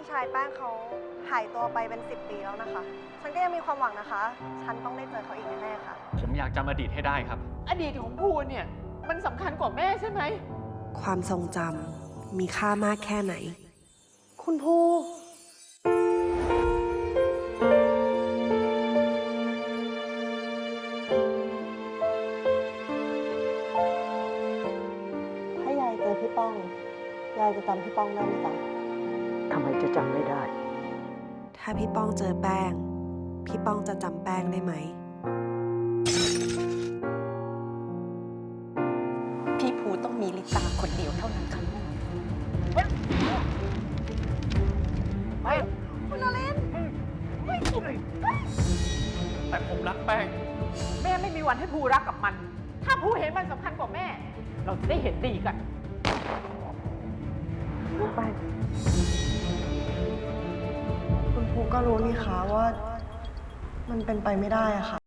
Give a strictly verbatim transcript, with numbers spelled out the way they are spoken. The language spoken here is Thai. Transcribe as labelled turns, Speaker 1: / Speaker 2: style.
Speaker 1: ชายแป้งเขาหายตัวไปเป็นสิบปีแล้วนะคะ ฉันก็ยังมีความหวังนะคะ ฉันต้องได้เจอเขาอีกแน่ๆค่ะ
Speaker 2: ผมอยากจำอดีตให้ได้ครับ
Speaker 3: อดีตของภูเนี่ยมันสำคัญกว่าแม่ใช่ไหม
Speaker 4: ความทรงจำมีค่ามากแค่ไหน
Speaker 1: คุณภู ถ้ายายเจอพี่ป้อง ยายจะจำพี่ป้องได้ไหมจ๊ะ
Speaker 5: ทำไมจะจำไม่ได้
Speaker 4: ถ้าพี่ป้องเจอแป้ง พี่ป้องจะจำแป้งได้ไหม
Speaker 6: พี่ภูต้องมีลิตาคนเดียวเท่านั้นค่ะ
Speaker 1: คุณนรินทร์
Speaker 2: แต่ผมรักแป้ง
Speaker 3: แม่ไม่มีวันให้ภูรักกับมัน ถ้าภูเห็นมันสำคัญกว่าแม่ เราจะได้เห็นดีกัน
Speaker 1: คุณภูก็รู้นี่คะว่า มันเป็นไปไม่ได้อะค่ะ